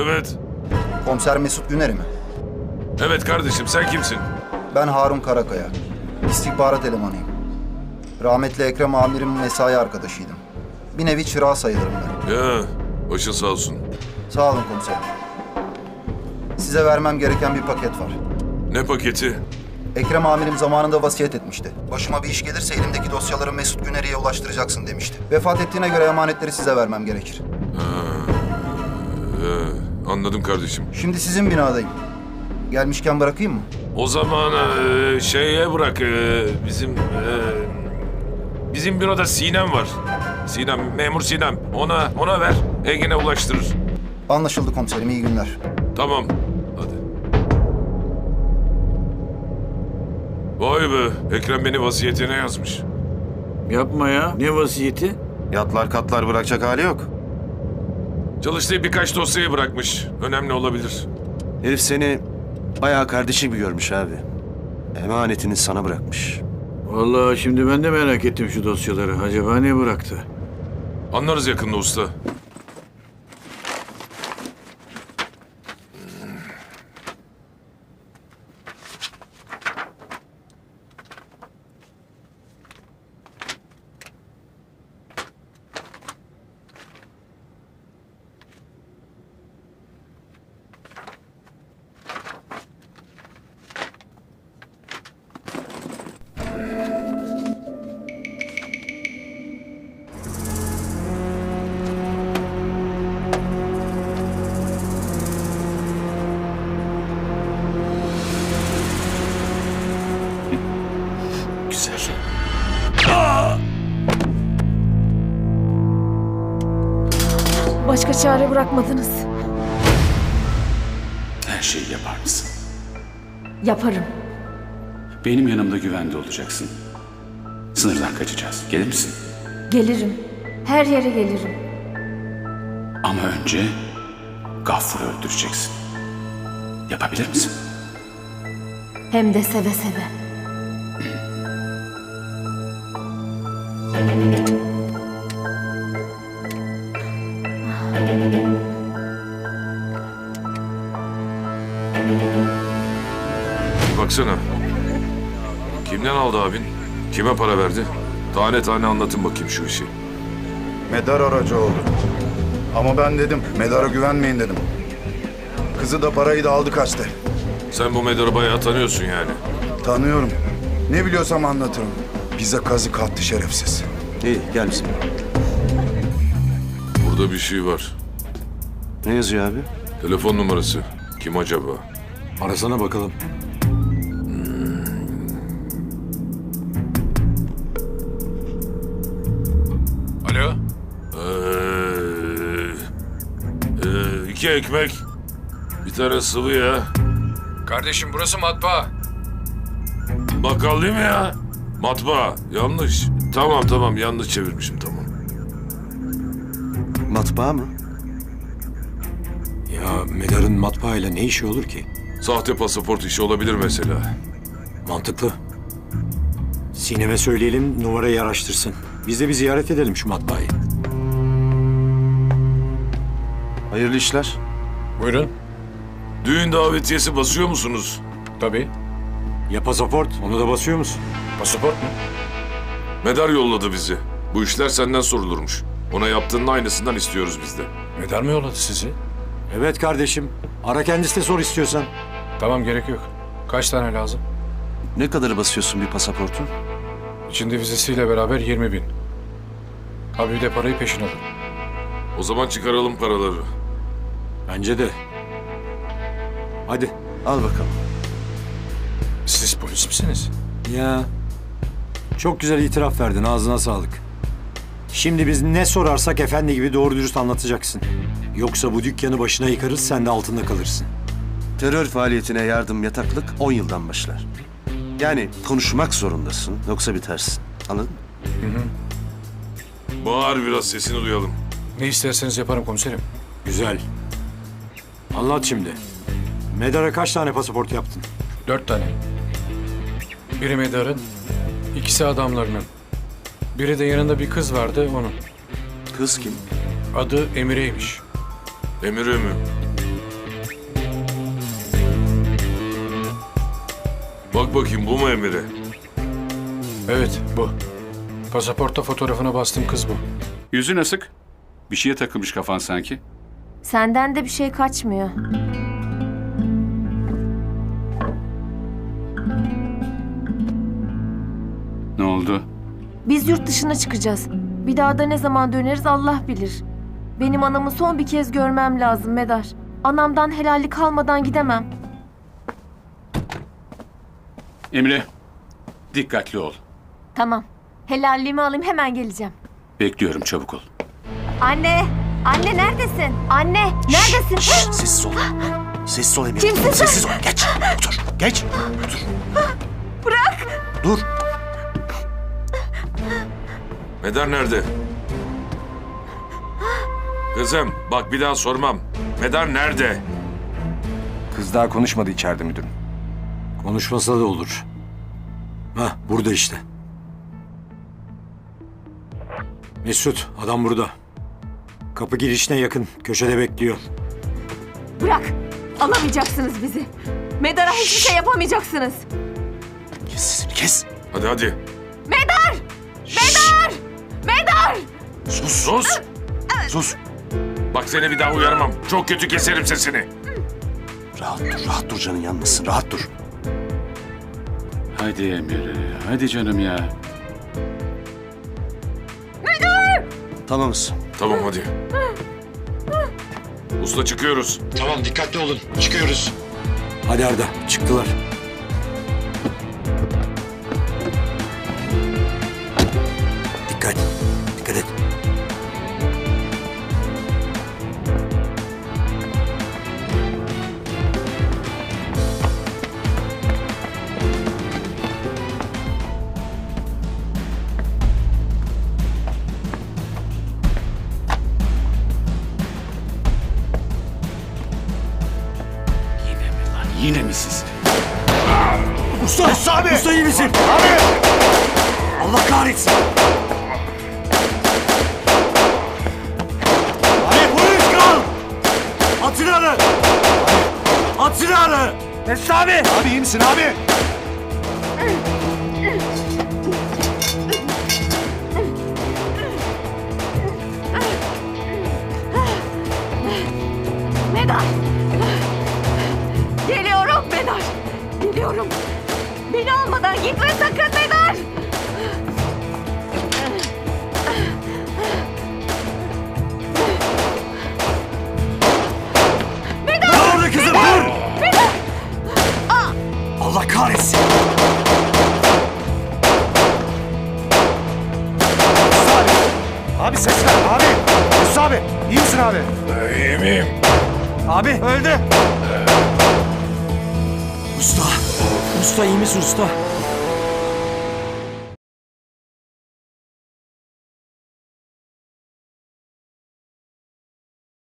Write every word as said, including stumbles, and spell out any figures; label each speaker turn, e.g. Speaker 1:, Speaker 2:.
Speaker 1: Evet.
Speaker 2: Komiser Mesut Güner'i mi?
Speaker 1: Evet kardeşim, sen kimsin?
Speaker 2: Ben Harun Karakaya. İstihbarat elemanıyım. Rahmetli Ekrem amirim mesai arkadaşıydım. Bir nevi çırağı sayılırım ben.
Speaker 1: Ya, başın sağ olsun.
Speaker 2: Sağ olun komiserim. Size vermem gereken bir paket var.
Speaker 1: Ne paketi?
Speaker 2: Ekrem amirim zamanında vasiyet etmişti. Başıma bir iş gelirse elimdeki dosyaları Mesut Güner'e ulaştıracaksın demişti. Vefat ettiğine göre emanetleri size vermem gerekir.
Speaker 1: Ee, anladım kardeşim.
Speaker 2: Şimdi sizin binadayım. Gelmişken bırakayım mı?
Speaker 1: O zaman e, şeye bırak, e, bizim... e, bizim büroda Sinem var. Sinem, memur Sinem. Ona, ona ver, Ege'ne ulaştırır.
Speaker 2: Anlaşıldı komiserim, iyi günler.
Speaker 1: Tamam, hadi. Vay be, Ekrem beni vasiyetine yazmış.
Speaker 3: Yapma ya. Ne vasiyeti?
Speaker 4: Yatlar katlar bırakacak hali yok.
Speaker 1: Çalıştığı birkaç dosyayı bırakmış. Önemli olabilir.
Speaker 4: Herif seni bayağı kardeşi gibi görmüş abi. Emanetini sana bırakmış.
Speaker 3: Vallahi şimdi ben de merak ettim şu dosyaları. Acaba ne bıraktı?
Speaker 1: Anlarız yakında usta.
Speaker 4: Güzel.
Speaker 5: Başka çare bırakmadınız.
Speaker 6: Her şeyi yapar mısın?
Speaker 5: Yaparım.
Speaker 6: Benim yanımda güvende olacaksın. Sınırdan kaçacağız. Gelir misin?
Speaker 5: Gelirim. Her yere gelirim.
Speaker 6: Ama önce Gaffur'u öldüreceksin. Yapabilir misin?
Speaker 5: Hem de seve seve.
Speaker 1: Baksana. Kimden aldı abin? Kime para verdi? Tane tane anlatın bakayım şu işi.
Speaker 7: Medar aracı oldu. Ama ben dedim, Medar'a güvenmeyin dedim. Kızı da parayı da aldı kaçtı.
Speaker 1: Sen bu Medar'ı bayağı tanıyorsun yani.
Speaker 7: Tanıyorum. Ne biliyorsam anlatırım. Bize kazık attı şerefsiz.
Speaker 4: İyi gel bizim.
Speaker 1: Burada bir şey var.
Speaker 4: Ne yazıyor abi?
Speaker 1: Telefon numarası. Kim acaba?
Speaker 3: Arasana bakalım.
Speaker 1: Alo? Ee, ee, iki ekmek. Bir tane sıvı ya.
Speaker 8: Kardeşim burası matbaa.
Speaker 1: Bakkal değil mi ya? Matbaa. Yanlış. Tamam tamam yanlış çevirmişim tamam.
Speaker 4: Matbaa mı?
Speaker 9: Ya Medar'ın matbaayla ne işi olur ki?
Speaker 1: Sahte pasaport işi olabilir mesela.
Speaker 9: Mantıklı. Sinem'e söyleyelim numarayı araştırsın. Biz de bir ziyaret edelim şu matbaayı.
Speaker 4: Hayırlı işler.
Speaker 8: Buyurun.
Speaker 1: Düğün davetiyesi basıyor musunuz?
Speaker 8: Tabii.
Speaker 9: Ya pasaport? Onu da basıyor musun?
Speaker 8: Pasaport mu?
Speaker 1: Medar yolladı bizi. Bu işler senden sorulurmuş. Ona yaptığının aynısından istiyoruz biz de.
Speaker 8: Medar mı yolladı sizi?
Speaker 9: Evet kardeşim. Ara kendisi de sor istiyorsan.
Speaker 8: Tamam gerek yok. Kaç tane lazım?
Speaker 4: Ne kadarı basıyorsun bir pasaportun?
Speaker 8: İçinde vizesiyle beraber yirmi bin. Abi bir de parayı peşin alın.
Speaker 1: O zaman çıkaralım paraları.
Speaker 9: Bence de. Hadi.
Speaker 4: Al bakalım.
Speaker 8: Siz polis misiniz?
Speaker 9: Ya. Çok güzel itiraf verdin. Ağzına sağlık. Şimdi biz ne sorarsak efendi gibi doğru dürüst anlatacaksın. Yoksa bu dükkanı başına yıkarız, sen de altında kalırsın.
Speaker 4: Terör faaliyetine yardım yataklık on yıldan başlar. Yani konuşmak zorundasın yoksa bitersin. Anladın mı?
Speaker 1: Bağır biraz sesini duyalım.
Speaker 8: Ne isterseniz yaparım komiserim.
Speaker 9: Güzel. Anlat şimdi. Medar'a kaç tane pasaport yaptın?
Speaker 8: Dört tane. Biri Medar'ın, ikisi adamlarının. Biri de yanında bir kız vardı onun.
Speaker 4: Kız kim?
Speaker 8: Adı Emire'ymiş.
Speaker 1: Emire mi? Bak bakayım bu mu Emre?
Speaker 8: Evet, bu. Pasaportta fotoğrafına bastım kız bu.
Speaker 6: Yüzün asık. Bir şeye takılmış kafan sanki.
Speaker 5: Senden de bir şey kaçmıyor.
Speaker 6: Ne oldu?
Speaker 5: Biz yurt dışına çıkacağız. Bir daha da ne zaman döneriz Allah bilir. Benim anamı son bir kez görmem lazım Medar. Anamdan helallik almadan gidemem.
Speaker 6: Emre, dikkatli ol.
Speaker 5: Tamam. Helalliğimi alayım hemen geleceğim.
Speaker 6: Bekliyorum, çabuk ol.
Speaker 5: Anne! Anne neredesin? Anne neredesin?
Speaker 4: Sessiz ol. Sessiz ol Emine.
Speaker 5: Kimsin sen?
Speaker 4: Sessiz ol. Geç. Otur. Geç. Otur.
Speaker 5: Bırak!
Speaker 4: Dur.
Speaker 1: Medar nerede? Kızım bak bir daha sormam. Medar nerede?
Speaker 9: Kız daha konuşmadı içeride müdürüm. Konuşmasa da olur. Hah, burada işte. Mesut, adam burada. Kapı girişine yakın, köşede bekliyor.
Speaker 5: Bırak! Alamayacaksınız bizi. Medar'a hiçbir şey yapamayacaksınız.
Speaker 4: Kes sesini kes.
Speaker 1: Hadi hadi.
Speaker 5: Medar! Medar! Medar!
Speaker 1: Sus sus.
Speaker 4: Sus.
Speaker 1: Bak seni bir daha uyarmam. Çok kötü keserim sesini.
Speaker 4: Rahat dur. Rahat dur, canın yanmasın. Rahat dur.
Speaker 6: Hadi Emre, hadi canım ya.
Speaker 4: Tamamız.
Speaker 1: Tamam hadi. Usta çıkıyoruz.
Speaker 9: Tamam, dikkatli olun. Çıkıyoruz. Hadi Arda, çıktılar. Dikkat, dikkat et.
Speaker 6: Yine mi lan, yine mi siz?
Speaker 9: Usta! Usta abi! Usta iyi misin? Abi! Allah kahretsin! Abi polis kal! At silahını! At silahını! Mesut abi!
Speaker 7: Abi iyi misin abi?
Speaker 5: Medar! Geliyorum Medar! Geliyorum. Beni almadan gitme sakın Medar!
Speaker 9: Dur orada kızım dur! Allah kahretsin!
Speaker 7: Abi ses ver abi. Mesut abi. İyi misin abi?
Speaker 1: İyi miyim?
Speaker 9: Abi öldü! Usta! Usta iyi misin usta?